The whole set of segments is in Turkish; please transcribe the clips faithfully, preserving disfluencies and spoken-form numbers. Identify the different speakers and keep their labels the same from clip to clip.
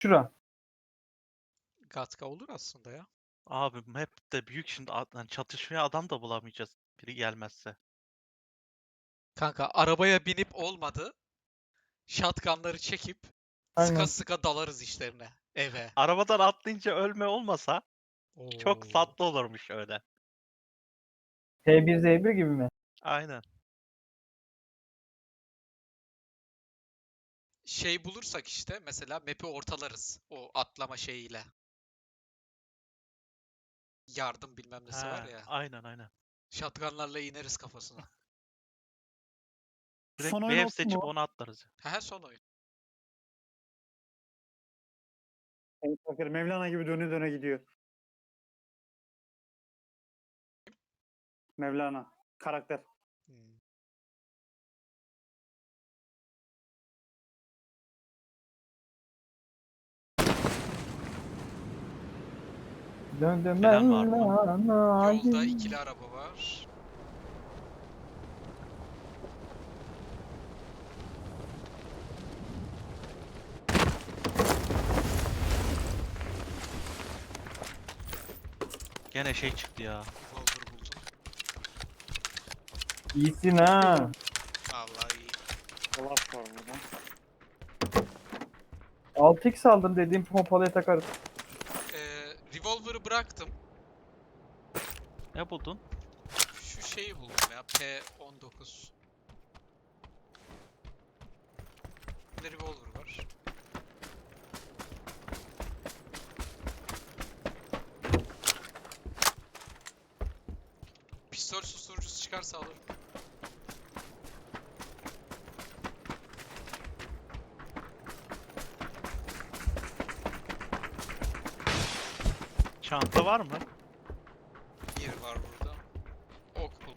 Speaker 1: Şura.
Speaker 2: Gatka olur aslında ya.
Speaker 3: Abi map de büyük şimdi ad- hani çatışmaya adam da bulamayacağız biri gelmezse.
Speaker 2: Kanka arabaya binip olmadı. Shotgunları çekip sıka
Speaker 1: Aynen.
Speaker 2: sıka dalarız işlerine. Eve.
Speaker 3: Arabadan atlayınca ölme olmasa çok
Speaker 2: Oo.
Speaker 3: tatlı olurmuş öyle.
Speaker 1: T bir Z bir gibi mi?
Speaker 3: Aynen.
Speaker 2: Şey bulursak işte mesela map'i ortalarız. O atlama şeyiyle. Yardım bilmem nesi var
Speaker 3: He,
Speaker 2: ya.
Speaker 3: aynen aynen.
Speaker 2: Shotgunlarla ineriz kafasına.
Speaker 3: Direkt
Speaker 1: Son
Speaker 3: bir
Speaker 1: oyun
Speaker 3: ev
Speaker 1: olsun
Speaker 3: seçip
Speaker 1: mu?
Speaker 3: onu atlarız.
Speaker 2: He son oyun.
Speaker 4: Evet, bakır Mevlana gibi döne döne gidiyor. Mevlana. Karakter.
Speaker 2: Hmm.
Speaker 1: Döndüm
Speaker 3: Gelen
Speaker 1: ben
Speaker 3: var mı?
Speaker 1: lana.
Speaker 2: Yolda ikili araba var.
Speaker 3: Gene şey çıktı ya.
Speaker 2: Revolver buldum.
Speaker 1: İyisin ha.
Speaker 2: Vallahi iyi.
Speaker 4: Dolap var burada.
Speaker 1: altı x aldım dediğim pompalıya takarız.
Speaker 2: Ee, revolver'ı bıraktım.
Speaker 3: Ne buldun?
Speaker 2: Şu şeyi buldum ya. P on dokuz. Bir de revolver var. Pistol susturucusu çıkarsa alırım.
Speaker 3: Çanta var mı?
Speaker 2: Bir var burada. Ok bul.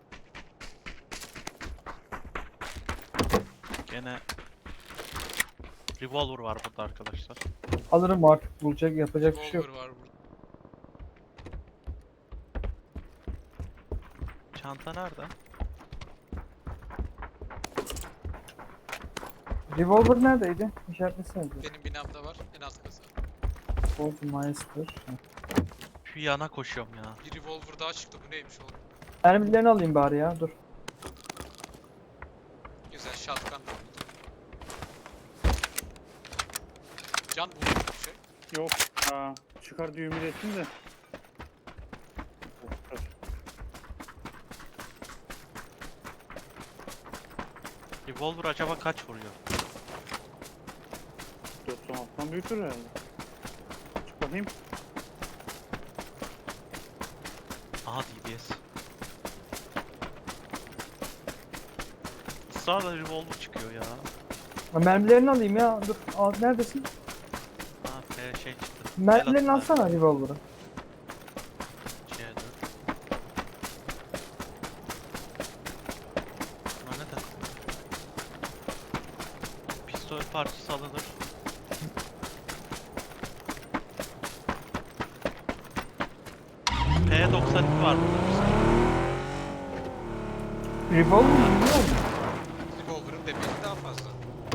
Speaker 3: Gene revolver var burada arkadaşlar.
Speaker 1: Alırım artık, bulacak yapacak bir şey yok.
Speaker 2: Revolver var burada.
Speaker 3: Çanta nerede?
Speaker 1: Revolver neredeydi? İşaretlesene.
Speaker 2: Benim binamda var. En alt kasa.
Speaker 1: Bolt Meister.
Speaker 3: Şu yana koşuyorum ya.
Speaker 2: Bir revolver daha çıktı. Bu neymiş oğlum?
Speaker 1: Mermilerini alayım bari ya, dur.
Speaker 2: Güzel shotgun da buldum. Can buldun mu bir şey?
Speaker 4: Yok. Ha, çıkar diye ümit ettim de.
Speaker 3: Revolver acaba kaç vuruyor?
Speaker 4: doksan altıdan büyüktür herhalde. Çık bakayım.
Speaker 3: Aha D B S. Israrla revolver çıkıyor ya.
Speaker 1: Ha, mermilerini alayım ya, dur. Al, neredesin?
Speaker 3: Ha P şey çıktı.
Speaker 1: Mermilerini
Speaker 3: El atın
Speaker 1: alsana revolver'ı.
Speaker 3: abi. C dört. Buna ne takıldı? Pistol parçası alınır. P doksan iki var burada.
Speaker 1: Revolver mı biliyor musun?
Speaker 2: Revolver'ın demiri daha fazla.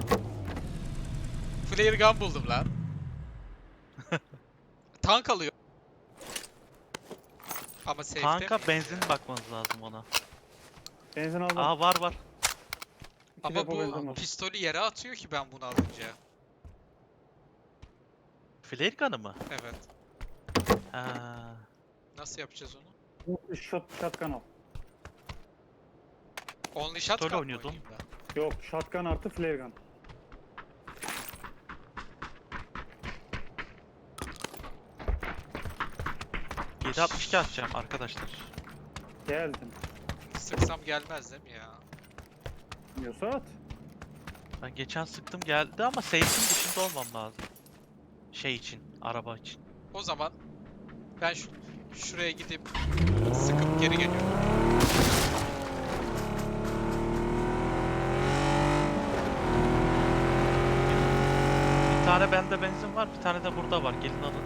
Speaker 2: Flare gun buldum lan. Tank alıyor. Ama safe'de
Speaker 3: Tanka
Speaker 2: miyiz
Speaker 3: benzin
Speaker 2: ya?
Speaker 3: bakmanız lazım ona.
Speaker 4: Benzin aldım.
Speaker 3: Aa var var.
Speaker 4: İki
Speaker 2: Ama
Speaker 4: depo benzin
Speaker 2: bu
Speaker 4: var.
Speaker 2: pistolü yere atıyor ki ben bunu alınca.
Speaker 3: Flare gun'ı mı?
Speaker 2: Evet.
Speaker 3: Ha.
Speaker 2: Nasıl yapacağız onu?
Speaker 4: Bu Shot, shotgun al.
Speaker 2: Only shotgun
Speaker 3: Pistol
Speaker 2: mı
Speaker 3: oynuyordum.
Speaker 2: oynayayım ben?
Speaker 4: Yok. Shotgun artı flare gun.
Speaker 3: yedi altmış iki atacağım arkadaşlar.
Speaker 4: Geldim.
Speaker 2: Sıksam gelmez değil mi ya?
Speaker 4: Diyorsa at.
Speaker 3: Ben geçen sıktım geldi ama safe'in dışında olmam lazım. Şey için, araba için.
Speaker 2: O zaman ben şu, şuraya gidip sıkıp geri geliyorum.
Speaker 3: Bir tane bende benzin var, bir tane de burada var. Gelin alın.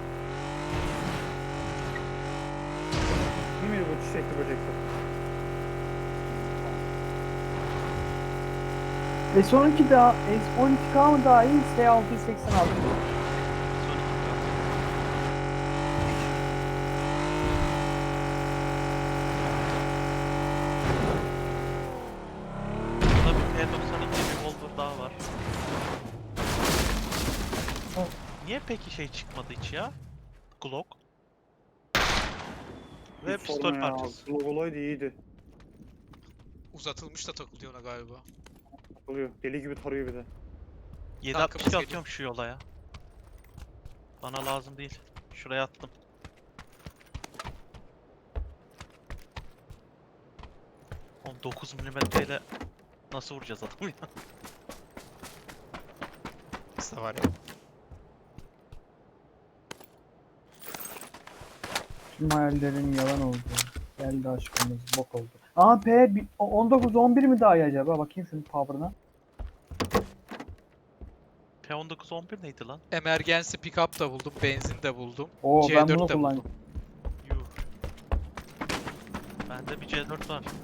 Speaker 4: Değil miydi bu çiçekli böcekli?
Speaker 1: S on iki daha, S on iki K mı daha iyi, S altı yüz seksen altı mı?
Speaker 3: Son Niye peki şey çıkmadı hiç ya? Glock. Ve
Speaker 4: Hiç
Speaker 3: pistol
Speaker 4: sorma ya.
Speaker 3: parçası.
Speaker 4: Logoloydu iyiydi.
Speaker 2: Uzatılmış da takılıyor ona galiba.
Speaker 4: Takılıyor. Deli gibi tarıyor bir de.
Speaker 3: yedi
Speaker 2: Tankımız
Speaker 3: altmış iki
Speaker 2: geliyor.
Speaker 3: atıyorum şu yola ya. Bana lazım değil. Şuraya attım. Oğlum dokuz milimetreyle nasıl vuracağız adamı ya?
Speaker 2: Aslında var ya.
Speaker 1: Tüm hayallerin yalan oldu. Geldi aşkımız bok oldu. Aa P bi- on dokuz on bir mi daha iyi acaba? Bakayım şunun power'ına.
Speaker 3: P on dokuz on bir neydi lan?
Speaker 2: Emergency pickup da buldum, benzin de buldum.
Speaker 1: Oo ben
Speaker 2: C
Speaker 1: bunu
Speaker 2: dört de
Speaker 1: kullanacağım.
Speaker 2: buldum.
Speaker 3: Yuh. Bende bir C dört var.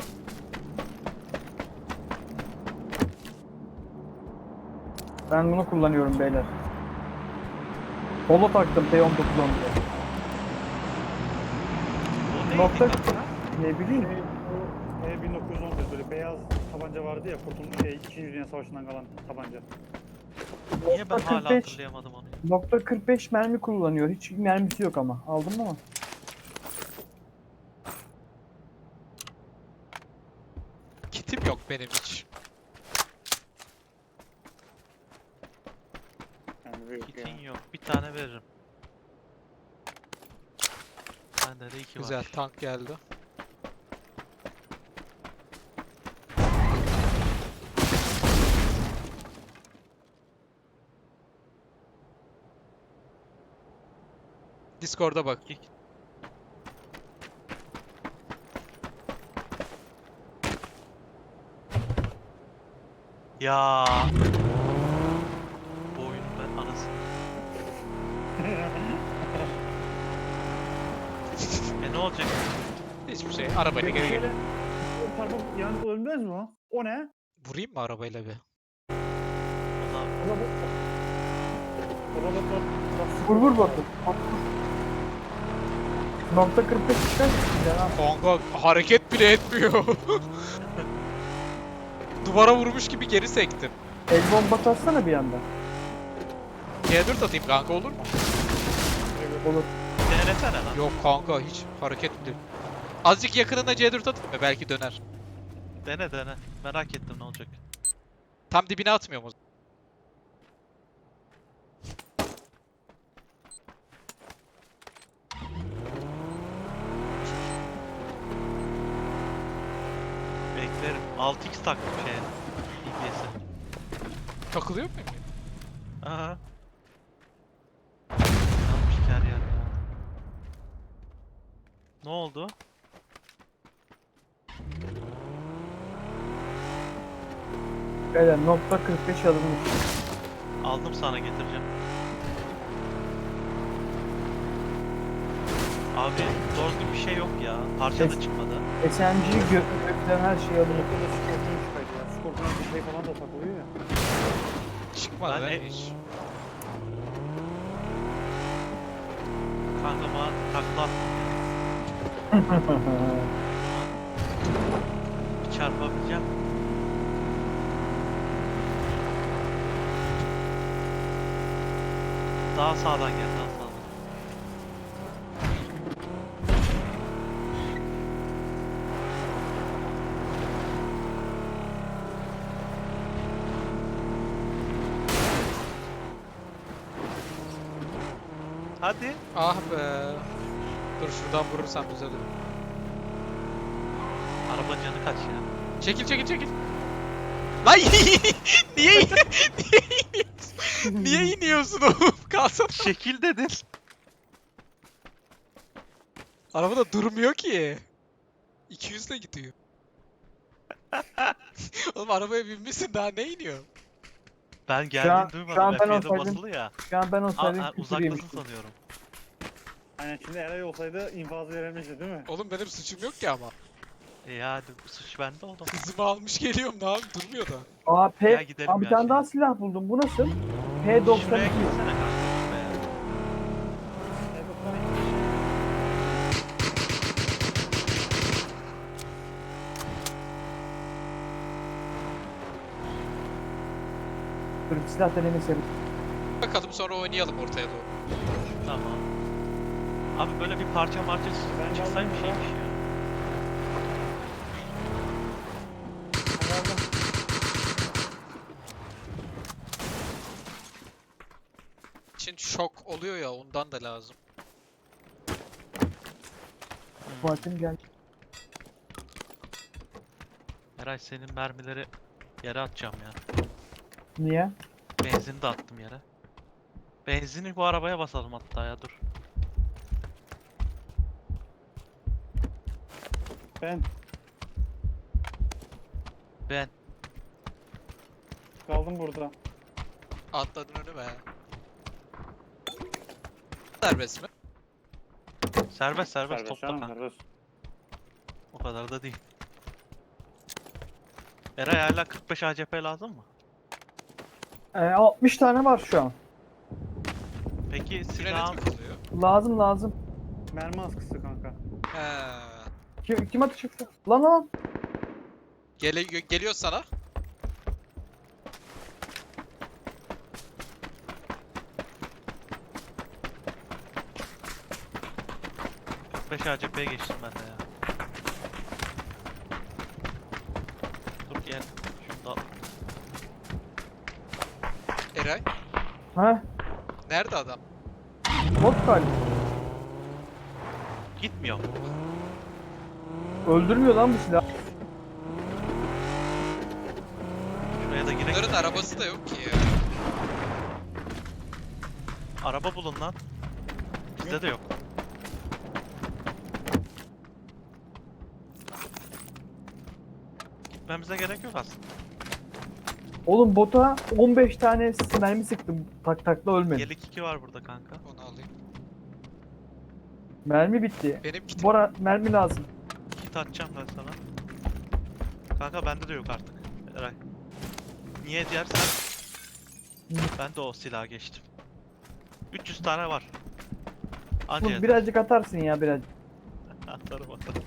Speaker 1: Ben bunu kullanıyorum beyler. Polo taktım P on dokuz on bir.
Speaker 3: O neydi
Speaker 1: Nokta-
Speaker 3: kanka?
Speaker 1: Ne bileyim.
Speaker 4: Şey, bu E bin dokuz yüz on bir böyle beyaz tabanca vardı ya kurtulmuş şey ikinci. Dünya Savaşı'ndan kalan tabanca.
Speaker 3: Niye ben
Speaker 1: Nokta
Speaker 3: hala
Speaker 1: kırk beş.
Speaker 3: hatırlayamadım onu?
Speaker 1: Nokta kırk beş mermi kullanıyor. Hiç mermisi yok ama. Aldım ama.
Speaker 2: Kitim yok benim hiç.
Speaker 4: Yani büyük ya.
Speaker 3: Kitin yok. Bir tane veririm. Bende de iki
Speaker 2: Güzel,
Speaker 3: var.
Speaker 2: tank geldi. Discord'a bak.
Speaker 3: İki- Ya. Bu oyunun ben anasını. E ne olacak?
Speaker 2: Hiçbir şey. Arabayla geri gel.
Speaker 4: Şöyle o tarafa yani ölmez mi o? O ne?
Speaker 2: Vurayım mı arabayla bir?
Speaker 3: Valla
Speaker 4: O da bu. O da bu.
Speaker 1: Vur vur bakın. Nokta kırk beş çıkar. Güzel ha.
Speaker 2: Kanka hareket bile etmiyor. Duvara vurmuş gibi geri sektim.
Speaker 1: El bombası atsana bir anda.
Speaker 2: C dört atayım kanka olur mu?
Speaker 1: Olur.
Speaker 3: denesene lan.
Speaker 2: Yok kanka hiç hareket bile. Azıcık yakınına C dört atayım mı? Belki döner.
Speaker 3: Dene dene. Merak ettim ne olacak.
Speaker 2: Tam dibine atmıyorum o zaman.
Speaker 3: Beklerim. altı x taktım şeye. D P S'e.
Speaker 2: Takılıyor muyum?
Speaker 3: Aha. Yanmış her yer ya. Ne oldu?
Speaker 1: Beyler nokta kırk beş alınmış.
Speaker 3: Aldım sana getireceğim. Abi doğru düzgün bir şey yok ya. Parça da
Speaker 1: Ses-
Speaker 3: çıkmadı.
Speaker 1: S M G gökten her şey alınmış.
Speaker 4: Ortada Scorpion çıkaydı ya. Scorpion'a bir şey falan da takılıyor ya.
Speaker 2: Çıkmadı
Speaker 3: Ben
Speaker 2: lan
Speaker 3: e-
Speaker 2: hiç.
Speaker 3: Kanka bana takla attım. Bir çarpabileceğim. Daha sağdan gel, daha sağdan. Hadi.
Speaker 2: Ah be. Dur şuradan vurursam düzelir.
Speaker 3: Araba canı kaç ya?
Speaker 2: Çekil çekil çekil. Lan niye niye iniyorsun? Niye iniyorsun oğlum? Kalsana.
Speaker 3: Şekil dedin.
Speaker 2: Araba da durmuyor ki. iki yüz ile gidiyor. Oğlum arabaya binmişsin daha ne iniyor?
Speaker 3: Ben
Speaker 1: an-
Speaker 3: geldiğini
Speaker 1: şu
Speaker 3: duymadım.
Speaker 1: an ben
Speaker 3: F yedi
Speaker 1: olsaydım-
Speaker 3: basılı ya.
Speaker 1: Şu an ben
Speaker 3: Aa,
Speaker 1: olsaydım
Speaker 3: aa,
Speaker 1: küfür
Speaker 3: uzaktasın
Speaker 1: yemiştim.
Speaker 3: sanıyorum.
Speaker 4: Aynen şimdi Eray olsaydı infazı verilmişti değil mi?
Speaker 2: Oğlum benim suçum yok ki ama.
Speaker 3: E hadi bu suç bende oldu.
Speaker 2: Hızımı almış geliyorum daha durmuyor da.
Speaker 1: Aa P.
Speaker 3: Ya gidelim
Speaker 1: Aa, bir
Speaker 3: ya
Speaker 1: tane
Speaker 3: şey.
Speaker 1: daha silah buldum. Bu nasıl? P doksan
Speaker 3: Şuraya
Speaker 1: iki.
Speaker 3: gitsene kanka şuraya.
Speaker 1: Dur silah denemesi yapayım.
Speaker 2: bakalım sonra oynayalım ortaya doğru.
Speaker 3: Tamam. Abi böyle bir parça parça
Speaker 4: Ben
Speaker 3: çıksaymış
Speaker 4: geldim
Speaker 3: iyiymiş ya.
Speaker 4: Hadi aldım.
Speaker 2: için şok oluyor ya ondan da lazım.
Speaker 1: Fuat'ım gel.
Speaker 3: Eray senin mermileri yere atacağım ya.
Speaker 1: Niye?
Speaker 3: Benzini de attım yere. Benzini bu arabaya basalım hatta ya dur.
Speaker 4: Ben
Speaker 3: Ben.
Speaker 4: kaldım burada.
Speaker 2: Atladın önüme. Serbest mi?
Speaker 3: Serbest serbest
Speaker 4: Serbest
Speaker 3: topla
Speaker 4: canım,
Speaker 3: kanka.
Speaker 4: serbest.
Speaker 3: O kadar da değil. Eray hala kırk beş A C P lazım mı?
Speaker 1: Ee, altmış tane var şu an.
Speaker 3: Peki
Speaker 2: Frenet
Speaker 3: silahın
Speaker 2: mi kalıyor?
Speaker 1: Lazım lazım.
Speaker 4: Mermi askısı kanka.
Speaker 2: He.
Speaker 1: Kim, kim atı çıktı? Lan lan.
Speaker 2: Gele geliyor sana.
Speaker 3: kırk beş A C P'ye geçtim ben de ya. Dur gel. Şunu da al.
Speaker 2: Eray.
Speaker 1: Ha?
Speaker 2: Nerede adam?
Speaker 1: Bot galiba.
Speaker 3: Gitmiyor.
Speaker 1: Öldürmüyor lan bu silah.
Speaker 3: Şuraya da girek.
Speaker 2: Bunların arabası da yok ki ya.
Speaker 3: Araba bulun lan. Bizde de yok. Gitmemize gerek yok aslında.
Speaker 1: Oğlum bota on beş tane mermi sıktım. Tak takla ölmedi.
Speaker 3: Yelek iki var burada kanka.
Speaker 2: Onu alayım.
Speaker 1: Mermi bitti.
Speaker 2: Benim kitim.
Speaker 1: Bora mermi lazım.
Speaker 3: Kit atacağım ben sana. Kanka bende de yok artık. Eray. Niye dersen ben de o silaha geçtim. üç yüz tane var. Anca
Speaker 1: Dur,
Speaker 3: yeter.
Speaker 1: birazcık atarsın ya birazcık.
Speaker 3: Atarım atarım.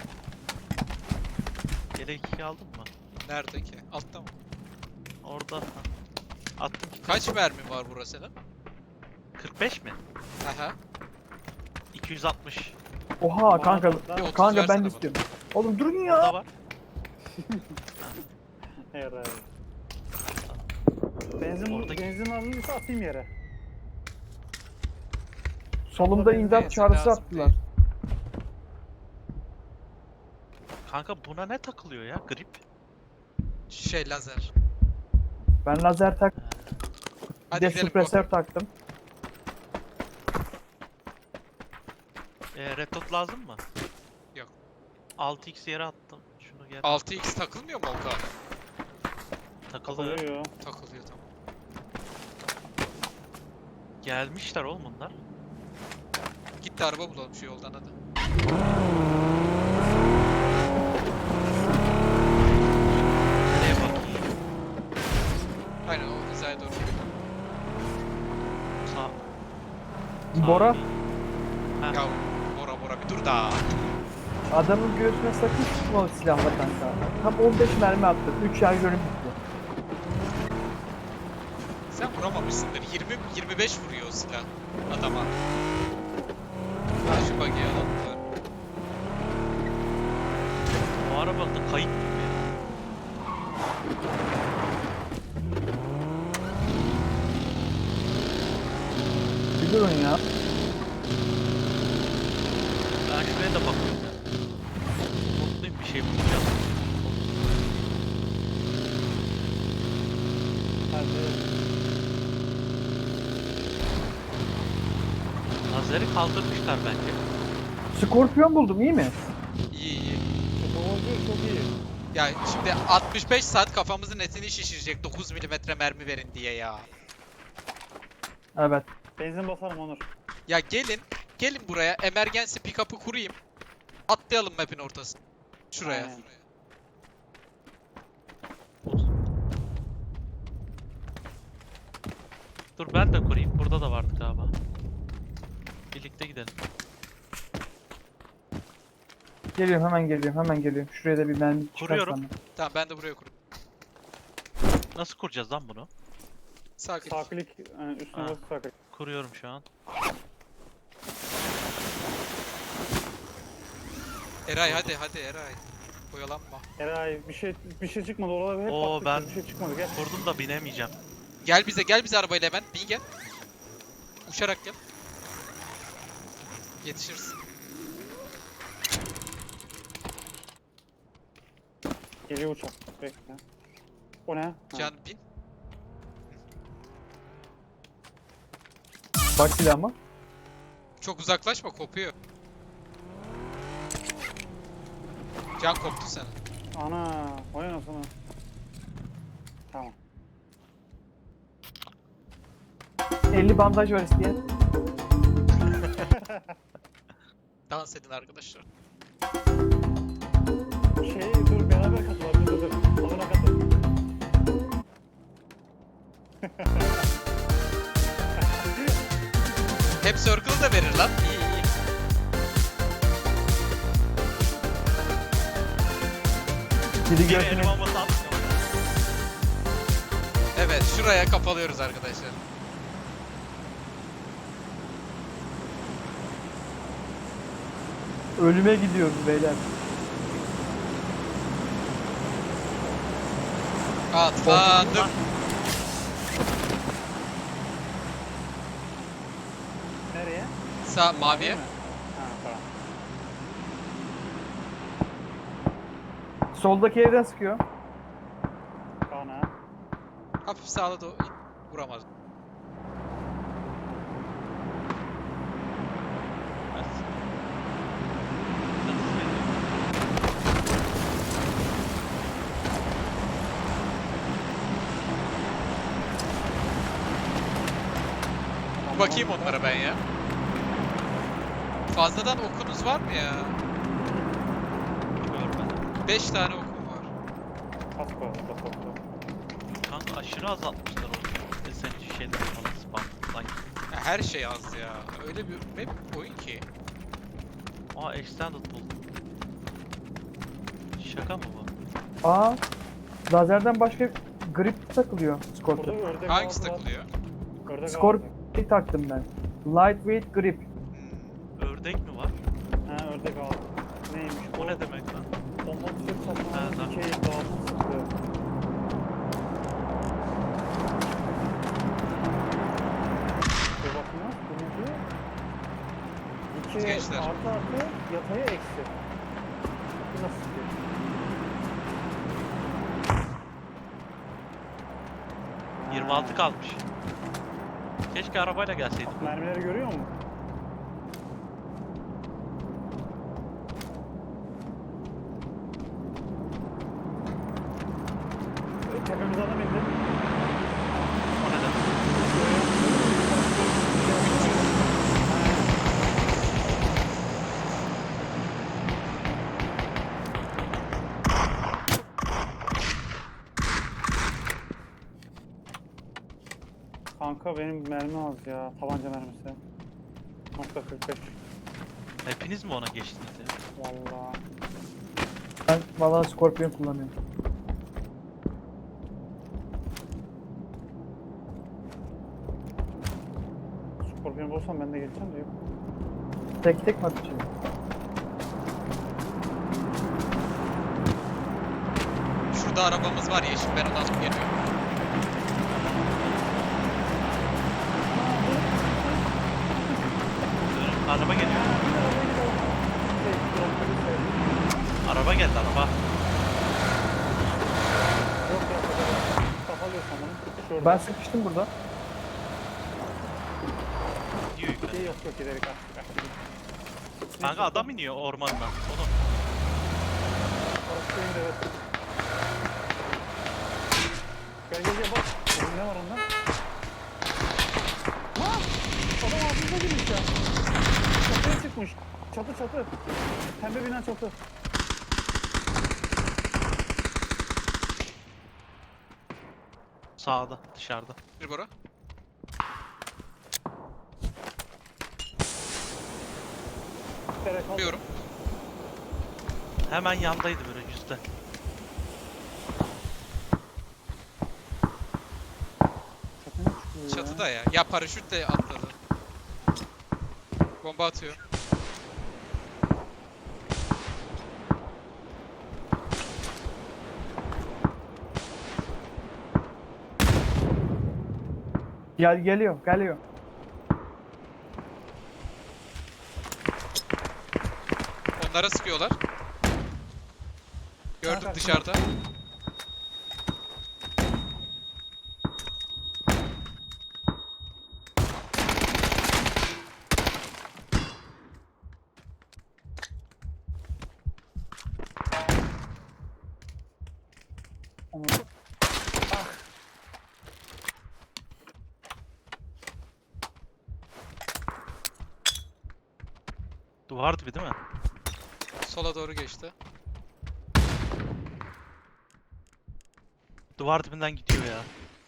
Speaker 3: Yelek iki aldın mı?
Speaker 2: Nerede ki? Altta mı?
Speaker 3: Orada. Ha. Attım ki.
Speaker 2: Kaç mermi var burası senin?
Speaker 3: kırk beş mi?
Speaker 2: Aha.
Speaker 3: iki yüz altmış.
Speaker 1: Oha
Speaker 4: Bana
Speaker 1: kanka.
Speaker 4: bak lan.
Speaker 2: Bir otuz
Speaker 1: Kanka ben
Speaker 2: versene
Speaker 1: de
Speaker 2: bana.
Speaker 1: istiyorum. Oğlum durun
Speaker 3: Burada
Speaker 1: ya.
Speaker 3: var.
Speaker 4: Eray. Benzin,
Speaker 3: Oradaki-
Speaker 4: benzin alınırsa atayım yere.
Speaker 1: Solumda
Speaker 4: Benzin
Speaker 1: imdat çağrısı
Speaker 2: lazım
Speaker 1: attılar.
Speaker 2: değil.
Speaker 3: Kanka buna ne takılıyor ya? Grip.
Speaker 2: Şey lazer.
Speaker 1: Ben lazer tak. Bir
Speaker 2: Hadi
Speaker 1: de
Speaker 2: gidelim.
Speaker 1: süpresör taktım.
Speaker 3: Ee, red dot lazım mı?
Speaker 2: Yok.
Speaker 3: altı x yere attım. Şunu gel.
Speaker 2: altı x takılmıyor mu Olga?
Speaker 3: Takılıyor.
Speaker 4: Takılıyor.
Speaker 2: Takılıyor tamam.
Speaker 3: Gelmişler oğlum bunlar.
Speaker 2: Git de araba bulalım şu yoldan hadi.
Speaker 3: Nereye bakayım?
Speaker 2: Aynen o hizaya doğru.
Speaker 3: Sağ.
Speaker 1: Bora.
Speaker 3: Sağ değil. Ha.
Speaker 2: Ya Bora Bora bir dur da.
Speaker 1: Adamın göğsüne sakın sıkma o silahla kanka. Tam on beş mermi attım. üç şarjörüm bitti.
Speaker 2: Sen vuramamışsındır. yirmi yirmi beş vuruyor o silah adama. Ha şu buggy'i alalım.
Speaker 3: Bu araba da kayıp gibi.
Speaker 1: Bir durun ya.
Speaker 3: Ben şuraya da bakıyorum ya. Mutluyum bir şey bulacağım.
Speaker 4: Hadi.
Speaker 3: Lazeri kaldırmışlar bence.
Speaker 1: Skorpiyon buldum iyi mi?
Speaker 2: İyi iyi.
Speaker 4: Çok oldu, çok iyi.
Speaker 2: Ya şimdi altmış beş saat kafamızın etini şişirecek dokuz milimetre mermi verin diye ya.
Speaker 1: Evet.
Speaker 4: Benzin basalım Onur.
Speaker 2: Ya gelin, gelin buraya emergency pick-up'ı kurayım. Atlayalım map'in ortasına. Şuraya.
Speaker 4: Aynen.
Speaker 3: Dur ben de kurayım. Burada da vardı galiba. Birlikte gidelim.
Speaker 1: Geliyorum hemen geliyorum hemen geliyorum. Şuraya da bir mermi çıkar
Speaker 3: Kuruyorum.
Speaker 1: sana.
Speaker 2: Tamam ben de buraya kurayım.
Speaker 3: Nasıl kuracağız lan bunu?
Speaker 2: Sağ klik.
Speaker 4: Sağ klik yani üstüne
Speaker 3: Ha.
Speaker 4: basıp sağ klik.
Speaker 3: Kuruyorum şu an.
Speaker 2: Eray hadi hadi Eray. Oyalanma.
Speaker 4: Eray bir şey bir şey çıkmadı oralarda hep
Speaker 3: Oo,
Speaker 4: baktık
Speaker 3: ben-
Speaker 4: bir şey çıkmadı gel.
Speaker 3: Kurdum da binemeyeceğim.
Speaker 2: Gel bize gel bize arabayla hemen. Bin gel. Uçarak gel. Yetişiriz.
Speaker 4: Geliyor uçak. Bekle. O ne? Ha.
Speaker 2: Can bin.
Speaker 1: Bak silahıma.
Speaker 2: Çok uzaklaşma kopuyor. Can koptu sana.
Speaker 4: Ana, vay anasını. Tamam.
Speaker 1: elli bandaj var isteyen.
Speaker 2: Dans edin arkadaşlar.
Speaker 4: Şey dur beraber katılalım dur dur. Alana katıl.
Speaker 2: Hep circle da verir lan. İyi iyi.
Speaker 1: Biri
Speaker 3: Geri
Speaker 1: göğsüne.
Speaker 3: elim bombası attım.
Speaker 2: Evet şuraya kapalıyoruz arkadaşlar.
Speaker 1: Ölüme gidiyoruz beyler.
Speaker 2: Atladım.
Speaker 4: Nereye?
Speaker 2: Sağ maviye.
Speaker 4: Ha tamam.
Speaker 1: Soldaki evden sıkıyor.
Speaker 4: Kana.
Speaker 2: Hafif sağda da vuramaz. Bakayım onlara ben ya. Fazladan okunuz var mı ya?
Speaker 3: Görmedim.
Speaker 2: beş tane okum var.
Speaker 4: Kasko. Kasko.
Speaker 3: Kanka aşırı azaltmışlar o S M G şeyleri falan spam. Sanki.
Speaker 2: Ya her şey az ya. Öyle bir map oyun ki.
Speaker 3: Aa extended buldum. Şaka mı bu?
Speaker 1: Aa. Lazerden başka grip takılıyor
Speaker 4: Burada
Speaker 1: Scorpio.
Speaker 4: ördek
Speaker 2: Hangisi
Speaker 4: ağzı var.
Speaker 2: takılıyor?
Speaker 4: Ördek
Speaker 1: Scorpio taktım ben. Lightweight grip.
Speaker 2: Hmm.
Speaker 3: Ördek mi var?
Speaker 4: ağzı. Ha ördek ağzı. Neymiş bu?
Speaker 3: O ne demek lan?
Speaker 4: Bomba tüfek
Speaker 3: Ha,
Speaker 4: saçmalı
Speaker 3: tamam.
Speaker 4: dikey dağıtım sıkıyor. Bir bakın ya. Bu ne diyor? İki
Speaker 2: Gençler.
Speaker 4: artı artı yataya eksi. Bu nasıl sıkıyor?
Speaker 3: yirmi altı
Speaker 4: Ha.
Speaker 3: kalmış. Keşke arabayla gelseydim.
Speaker 4: Bak, mermileri görüyor musun? Tepemize adam indi.
Speaker 3: O ne demek?
Speaker 4: Kanka benim mermi az ya. Tabanca mermisi. Nokta kırk beş.
Speaker 3: Hepiniz mi ona geçtiniz ya?
Speaker 4: Vallahi.
Speaker 1: Ben vallahi Scorpion kullanıyorum.
Speaker 4: Scorpion bulsam ben de geçeceğim de yok.
Speaker 1: Tek tek mi atacağım?
Speaker 2: Şurada arabamız var yeşil. Ben ondan sonra geliyorum.
Speaker 3: Dönün, araba geliyor.
Speaker 4: Şey, dropları şey.
Speaker 3: Araba geldi araba.
Speaker 4: Yok yok yok. Kafalıyorsam onu. Şurada.
Speaker 1: Ben sıkıştım burada.
Speaker 3: Gidiyor yukarı.
Speaker 4: Şey yok yok giderek açtık açtık.
Speaker 3: Kanka adam iniyor ormandan. Oğlum.
Speaker 4: Orası indi evet. Gel gel gel bak. Oğlum ne var onda? Ha! Adam ağzımıza girmiş ya. Çatıya çıkmış. Çatı çatı. Pembe bina çatı.
Speaker 3: Sağda dışarıda.
Speaker 2: Bir bora.
Speaker 4: Tere kaldı.
Speaker 2: Biliyorum.
Speaker 3: Hemen yandaydı böyle yüzde.
Speaker 4: Çatının ya.
Speaker 2: Çatıda ya. Ya paraşütle atladı. Bomba atıyor.
Speaker 1: Gel geliyor geliyor.
Speaker 2: Onlara sıkıyorlar. Gördüm
Speaker 4: Kanka,
Speaker 2: dışarıda.
Speaker 4: Onu...
Speaker 3: Duvar dibi değil mi?
Speaker 2: Sola doğru geçti.
Speaker 3: Duvar dibinden gidiyor ya.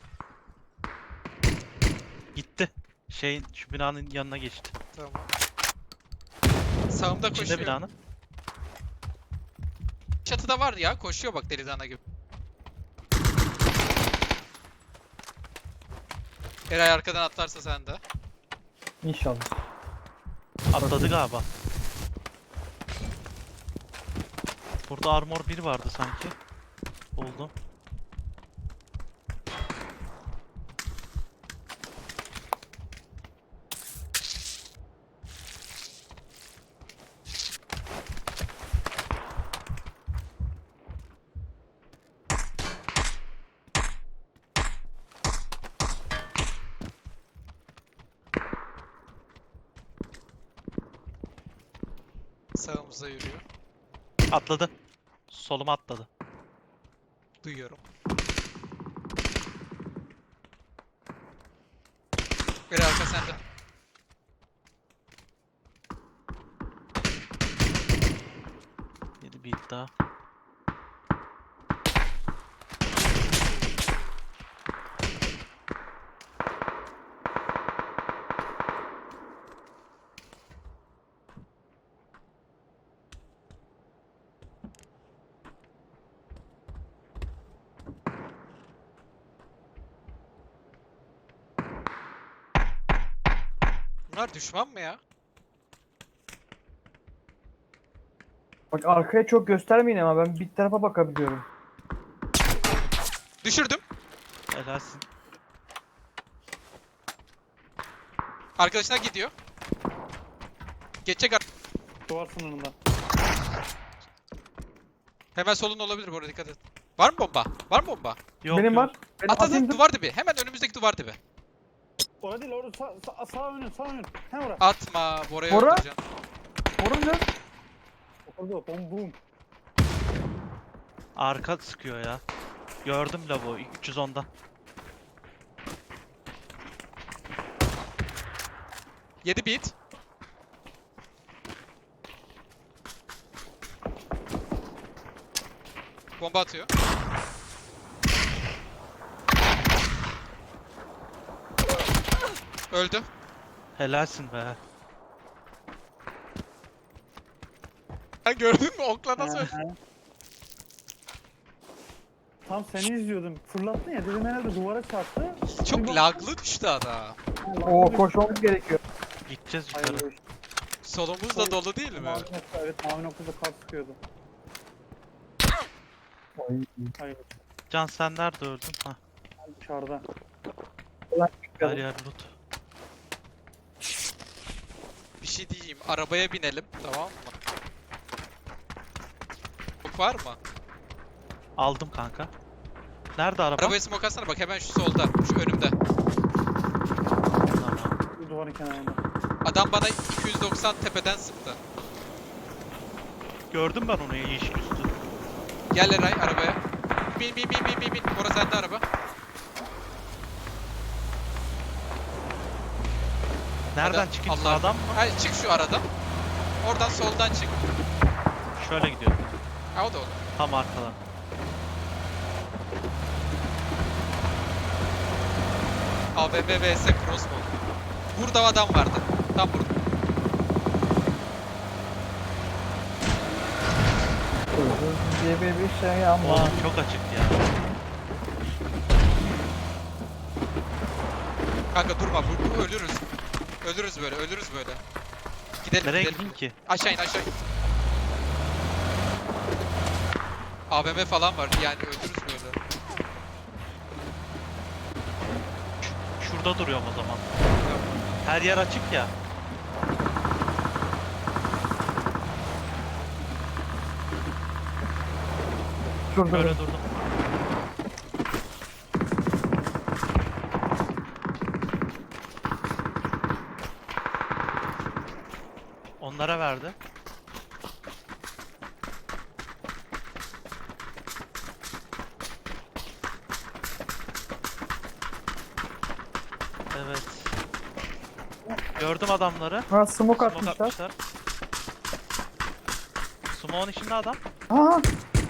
Speaker 3: Gitti. Şeyin şu binanın yanına geçti.
Speaker 2: Tamam. Sağımda
Speaker 3: İçinde
Speaker 2: koşuyor.
Speaker 3: binanın.
Speaker 2: Çatıda var ya. Koşuyor bak deli dana gibi. Eray arkadan atlarsa sen de.
Speaker 1: İnşallah.
Speaker 3: Atladı galiba. Burada armor bir vardı sanki. Buldum.
Speaker 2: Sağımıza yürüyor.
Speaker 3: Atladı. Soluma atladı.
Speaker 2: Duyuyorum. Eray arka sende.
Speaker 3: Yedi bir iddia.
Speaker 2: Bunlar düşman mı ya?
Speaker 1: Bak arkaya çok göstermeyin ama ben bir tarafa bakabiliyorum.
Speaker 2: Düşürdüm.
Speaker 3: Helalsin.
Speaker 2: Arkadaşına gidiyor. Geçecek ar-
Speaker 4: Duvar sınırında.
Speaker 2: Hemen solun olabilir bu arada, dikkat et. Var mı bomba? Var mı bomba?
Speaker 3: Yok
Speaker 1: Benim
Speaker 3: yok.
Speaker 1: var. Benim atayım
Speaker 2: Atladı
Speaker 1: dur.
Speaker 2: duvar dibi. Hemen önümüzdeki duvar dibi.
Speaker 4: Orada değil, orada sağ, sağ, sağ önün, sağ önün. Hem orada.
Speaker 2: Atma. Bora'yı
Speaker 1: Bora?
Speaker 2: öldüreceksin.
Speaker 1: Vurunca
Speaker 4: Orada, bom bum.
Speaker 3: Arka sıkıyor ya. Gördüm lavuğu üç yüz onda.
Speaker 2: Yedi beat. Bomba atıyor. Öldü.
Speaker 3: Helalsin be.
Speaker 2: Ha, gördün mü? Okla nasıl öldü?
Speaker 4: He, he. Tam seni izliyordum. Fırlattın ya, dedim herhalde duvara çarptı.
Speaker 2: Çok
Speaker 4: Bir bak-
Speaker 2: laglı düştü adam.
Speaker 1: o koşmamız gerekiyor.
Speaker 3: Gideceğiz
Speaker 4: Hayır,
Speaker 3: yukarı.
Speaker 2: Solumuz da dolu değil mi?
Speaker 4: mavi nokta, evet mavi noktada kar sıkıyordu.
Speaker 1: Ay,
Speaker 4: Hayır,
Speaker 3: Can sen nerede öldün? Hah.
Speaker 4: dışarıda.
Speaker 3: Her yer loot.
Speaker 2: Bir şey diyeyim. Arabaya binelim. Tamam mı? Çok var mı?
Speaker 3: Aldım kanka. Nerede araba?
Speaker 2: Arabaya smoke atsana bak, hemen şu solda. Şu önümde.
Speaker 3: Tamam.
Speaker 4: Bu duvarın kenarında.
Speaker 2: Adam bana iki yüz doksan tepeden sıktı.
Speaker 3: Gördüm ben onu yeşil üstü.
Speaker 2: Gel Eray arabaya. Bin bin bin bin bin bin. Orası sende araba.
Speaker 3: Nereden
Speaker 2: Hadi,
Speaker 3: çıkayım?
Speaker 2: Allah-
Speaker 3: Sağdan mı?
Speaker 2: Hayır, çık şu aradan. Oradan soldan çık.
Speaker 3: Şöyle gidiyor.
Speaker 2: Ha, o da olur.
Speaker 3: Tam arkadan.
Speaker 2: A V M vs crossbow. Burada adam vardı. Tam burada.
Speaker 1: Hırsız diye bir şey ama.
Speaker 3: Oğlum çok açık ya.
Speaker 2: Kanka durma, bu, bu ölürüz. Ölürüz böyle, ölürüz böyle. Gidelim,
Speaker 3: Nereye
Speaker 2: gidelim.
Speaker 3: gideyim ki?
Speaker 2: Aşağı in, aşağı in. A V M falan var, yani ölürüz böyle.
Speaker 3: Şurada duruyorum o zaman. Her yer açık ya.
Speaker 1: Şurada.
Speaker 3: Böyle durdum. Onlara verdi. Evet. Gördüm adamları.
Speaker 1: Ha smoke
Speaker 3: Smoke
Speaker 1: atmışlar.
Speaker 3: atmışlar. Smoke'un içinde adam.
Speaker 1: Ha.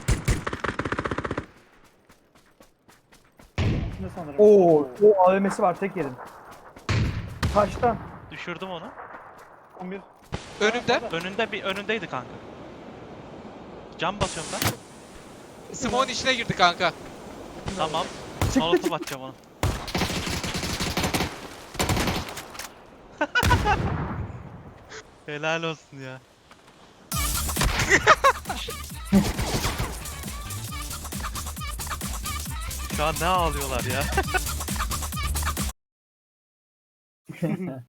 Speaker 4: Ne sanırım?
Speaker 1: Oo, o A V M'si var tek yerin. Taştan.
Speaker 3: Düşürdüm onu.
Speaker 4: on bir.
Speaker 2: Önümde,
Speaker 3: Önünde bir önündeydi kanka. Cam basıyorum ben.
Speaker 2: Smoke'un içine girdi kanka.
Speaker 3: Tamam. Molotof atacağım onu. Helal olsun ya. Şu an ne ağlıyorlar ya.